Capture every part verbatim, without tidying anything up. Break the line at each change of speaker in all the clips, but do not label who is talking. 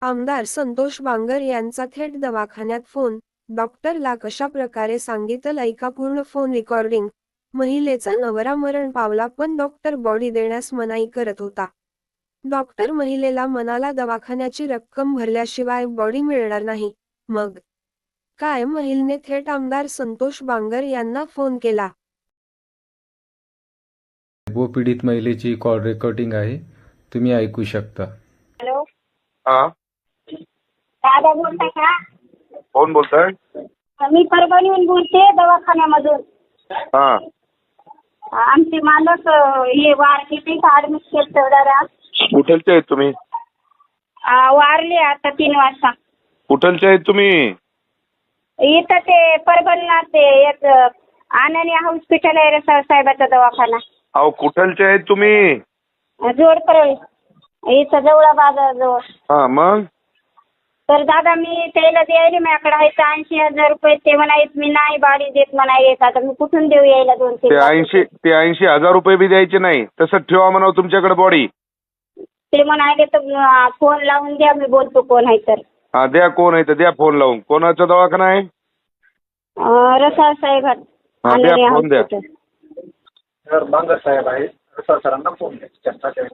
आमदार संतोष बांगर यांचा थेट दवाखान्यात फोन, डॉक्टरला कशा प्रकारे सांगितलं ऐका पूर्ण फोन रेकॉर्डिंग. महिलेचा नवरा मरण पावला पण डॉक्टर बॉडी देण्यास मनाई करत होता. डॉक्टर महिलेला म्हणाला दवाखान्याची रक्कम भरल्याशिवाय बॉडी मिळणार नाही. मग काय महिलेने थेट आमदार संतोष बांगर यांना फोन केला.
व पीडित महिलेची कॉल रेकॉर्डिंग आहे, तुम्ही ऐकू शकता.
हॅलो,
हा,
दादा बोलताय का?
कोण बोलताय?
मी परभणीहून बोलते, दवाखान्यामधून.
हा,
आमचे मालक अं, हे वारले ते ऍडमिट केलं जरा.
कुठलचे आहेत तुम्ही?
अं, वारले आता तीन वाजता.
कुठलचे आहेत तुम्ही?
इथं ते परभणीला ते एक अं, आनंदी हॉस्पिटल आहे रे सर साहेबाचा दवाखाना.
अहो कुठलचे आहेत तुम्ही?
जोड परळी इथं जवळ बाजाराजवळ.
हा, मग
तर दादा मी त्याला द्यायला माझ्याकडे आहे ऐंशी हजार रुपये. ते म्हणायत मी नाही बाडी देत म्हणायत. आता मी कुठून देऊ यायला दोन तीन
ते
लाख
ऐंशी
रुपये?
ते ऐंशी हजार रुपये बी द्यायचे नाही, तसंच ठेवा म्हणावं तुमच्याकडे बॉडी.
ते म्हणाले तर फोन लावून द्या, मी बोलतो कोण आहे तर.
हा, द्या. कोण आहे तर द्या फोन लावून. कोणाचा दवाखाना आहे?
अं, रसाळ साहेब
हा, द्या
आनंदी
फोन द्या.
हॉस्पिटल.
सर बांगर साहेब आहे, रसाळ सरांना फोन द्या. चर्चा करूया.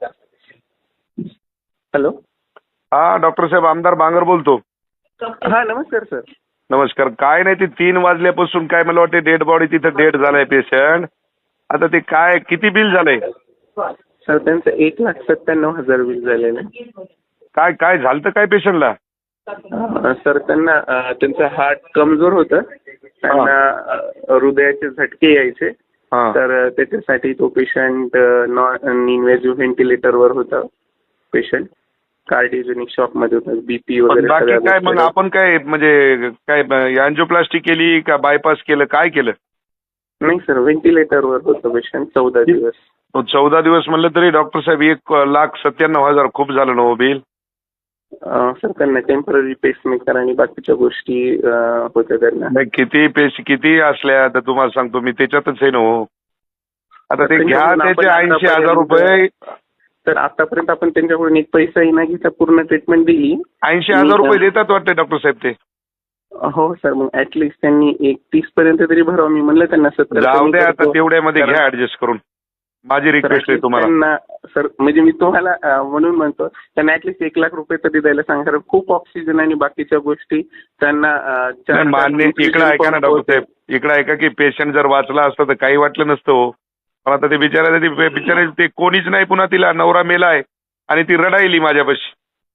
हॅलो,
हा, डॉक्टर साहेब आमदार बांगर बोलतो.
हा नमस्कार सर.
नमस्कार. काय नाही, ते तीन वाजल्यापासून काय मला वाटते डेड बॉडी तिथं डेड झालाय पेशंट. आता ते काय किती बिल झालंय?
सर त्यांचं एक लाख सत्त्याण्णव हजार बिल झालेलं आहे.
काय काय झालं काय पेशंटला?
अं, सर त्यांना अं, त्यांचं हार्ट कमजोर होतं, त्यांना अं, हृदयाचे झटके यायचे.
हा,
तर अं, त्याच्यासाठी तो पेशंट नॉन इन्व्हेजिव्ह व्हेंटिलेटरवर होता. पेशंट कार्डिओजेनिक शॉक मध्ये होता. बीपी
पण
वगैरे
बाकी
सगळ्या
काय मग
गोष्टी.
आपण काय म्हणजे काय अँजिओप्लास्टी केली का बायपास केलं, काय केलं?
नाही सर, व्हेंटिलेटरवर होतं पेशंट चौदा दिवस.
तो चौदा दिवस म्हणलं तरी डॉक्टर साहेब एक लाख सत्त्याण्णव हजार खूप झालं ना हो बिल.
अं, सर त्यांना टेम्पररी पेसमेकर आणि बाकीच्या गोष्टी अं, होत्या त्यांना.
नाही, किती पेश किती असल्या तर तुम्हाला सांगतो मी त्याच्यातच आहे ना हो. आता ते घ्या
त्यांच्याकडून
त्याचे
आपण
ऐंशी हजार
आतापर्यंत-
रुपये.
तर आतापर्यंत आपण त्यांच्याकडून एक पैसाही न घेता पूर्ण ट्रीटमेंट दिली.
ऐंशी हजार रुपये देतात वाटते डॉक्टर साहेब ते.
हो सर, मग ऍटलिस्ट त्यांनी एक तीस पर्यंत तरी भरावं. मी म्हणलं त्यांना सत्तर
जाऊ
कमी
द्या आता
करतो.
तेवढ्यामध्ये
तर-
घ्या ऍडजस्ट करून. माझी
तर
रिक्वेस्ट आहे
at least
तुम्हाला.
त्यांना सर म्हणजे मी तुम्हाला अं, म्हणून म्हणतो त्यांना ऍटलिस्ट एक लाख रुपये तरी द्यायला सांगा. कारण खूप ऑक्सिजन आणि बाकीच्या गोष्टी त्यांना अं, चार-
नाही, मान्य.
चार
इकडे ऐका ना
infusion
डॉक्टर
pump
साहेब, इकडे ऐका की पेशंट जर वाचला असतं तर काही वाटलं नसतं हो. पण आता ते बिचारा ते बिचारे ते कोणीच नाही, पुन्हा तिला नवरा मेलाय आणि ती रडायली माझ्यापाशी.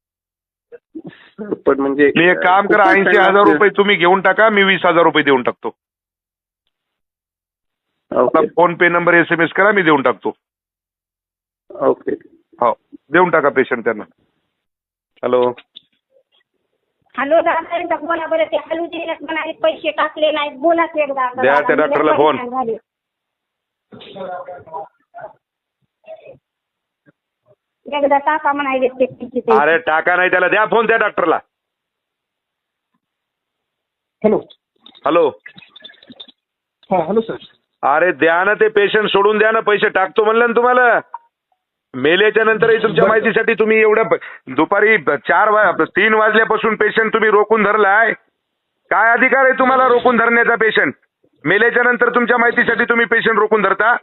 होते. पण म्हणजे
मी एक काम करा,
खूपच
ऐंशी
त्यांना-
हजार रुपये तुम्ही घेऊन टाका, मी वीस हजार रुपये देऊन टाकतो.
Okay
PhonePe number S M S करा, मी देऊन टाकतो.
ओके.
हो, देऊन टाका पेशंट त्यांना. हॅलो,
हॅलो दादा, एकदा बोला बरं. ते हॅलो दिले म्हणाले पैसे टाकले नाहीत. बोलाच एकदा.
द्या त्या डॉक्टरला फोन.
झाले. एकदा टाका म्हणाले ते पैसे ते.
अरे टाका नाही त्याला, द्या फोन त्या डॉक्टरला.
हॅलो.
हॅलो,
हा हॅलो सर.
अरे द्या ना, ते पेशंट सोडून द्या ना, पैसे टाकतो म्हणलं ना तुम्हाला. मेल्याच्या नंतरही तुमच्या माहितीसाठी तुम्ही एवढं प- दुपारी चार वा तीन वाजल्यापासून पेशंट तुम्ही रोखून धरलाय. काय अधिकार आहे तुम्हाला रोखून धरण्याचा? पेशंट मेल्याच्या नंतर तुमच्या माहितीसाठी तुम्ही पेशंट रोखून धरता?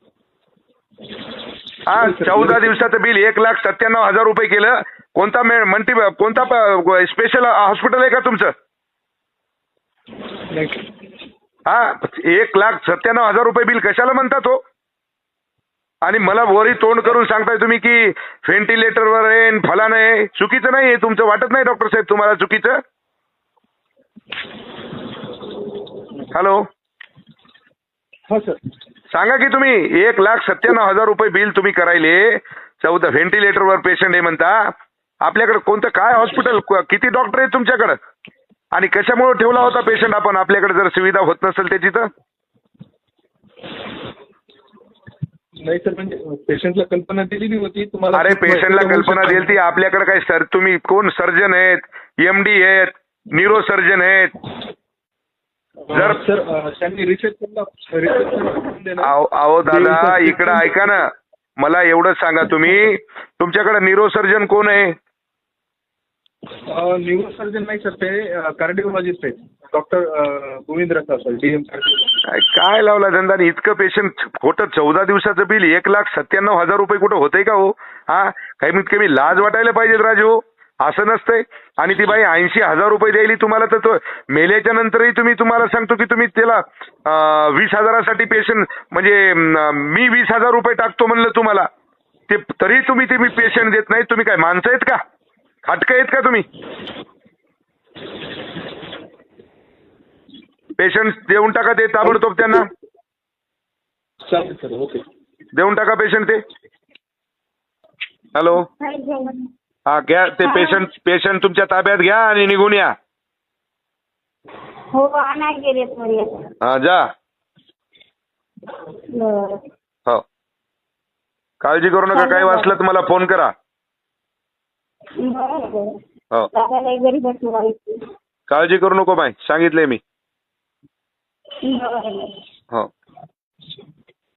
हा, चौदा दिवसाचं बिल एक लाख सत्त्याण्णव हजार रुपये केलं. कोणता मे मल्टी कोणता स्पेशल हॉस्पिटल आहे का तुमचं? हा, एक लाख सत्त्याण्णव हजार रुपये बिल कशाला म्हणतात हो? आणि मला वरी तोंड करून सांगताय तुम्ही की व्हेंटिलेटरवर आहे, फलान आहे. चुकीचं नाही आहे तुमचं, वाटत नाही डॉक्टर साहेब तुम्हाला चुकीचं? हॅलो,
हा सर.
सांगा की तुम्ही एक लाख सत्त्याण्णव हजार रुपये बिल तुम्ही करायले, चौदा व्हेंटिलेटरवर पेशंट आहे म्हणता. आपल्याकडे कोणतं काय हॉस्पिटल, किती डॉक्टर आहेत तुमच्याकडे? आणि कशामुळे ठेवला होता पेशंट आपण आपल्याकडे जर सुविधा होत नसेल त्याची तर?
नाही सर, म्हणजे पेशंटला कल्पना दिलेली होती तुम्हाला.
अरे पेशंटला कल्पना दिली ती आपल्याकडे काय सर, तुम्ही कोण सर्जन आहेत, एमडी आहेत, न्यूरो सर्जन आहेत? जर
सर अं, त्यांनी रिसेप्शनला रिसेप्शन
अहो अहो दादा, इकडं ऐका ना, मला एवढंच सांगा तुम्ही तुमच्याकडे न्यूरो सर्जन कोण आहे?
न्यूरोसर्जन नाही सर, ते कार्डिओलॉजिस्ट आहेत डॉक्टर गोविंद रसा सर, डीएम.
काय काय लावला धंदा आणि इतकं पेशंट खोटं चौदा दिवसाचं बिल एक लाख सत्त्याण्णव हजार रुपये कुठं होतंय का हो? हा कमीत कमी लाज वाटायला पाहिजे राजू, असं नसतंय. आणि ती बाई ऐंशी हजार रुपये द्यायली तुम्हाला, तर तो मेल्याच्या नंतरही तुम्ही, तुम्हाला सांगतो की तुम्ही त्याला अं, वीस हजारासाठी पेशंट म्हणजे अं, मी वीस हजार रुपये टाकतो म्हणलं तुम्हाला, ते तरी तुम्ही ते मी पेशंट देत नाही. तुम्ही काय माणसं आहेत का? खाटकं आहेत का तुम्ही? पेशंट देऊन टाका ते ताबडतोब, त्यांना
चालेल सर, ओके.
देऊन टाका पेशंट ते. हॅलो, हा घ्या ते पेशंट, पेशंट तुमच्या ताब्यात घ्या आणि निघून या.
हो आणा गेले थोडी.
हा जा.
बरं.
हो, काळजी करू नका, काही वाचलं तर मला फोन करा.
बरं बरं.
हो,
दादाला घरी बसून राहायचं.
काळजी करू नको बाई, सांगितलंय मी.
बरं बरं.
हो.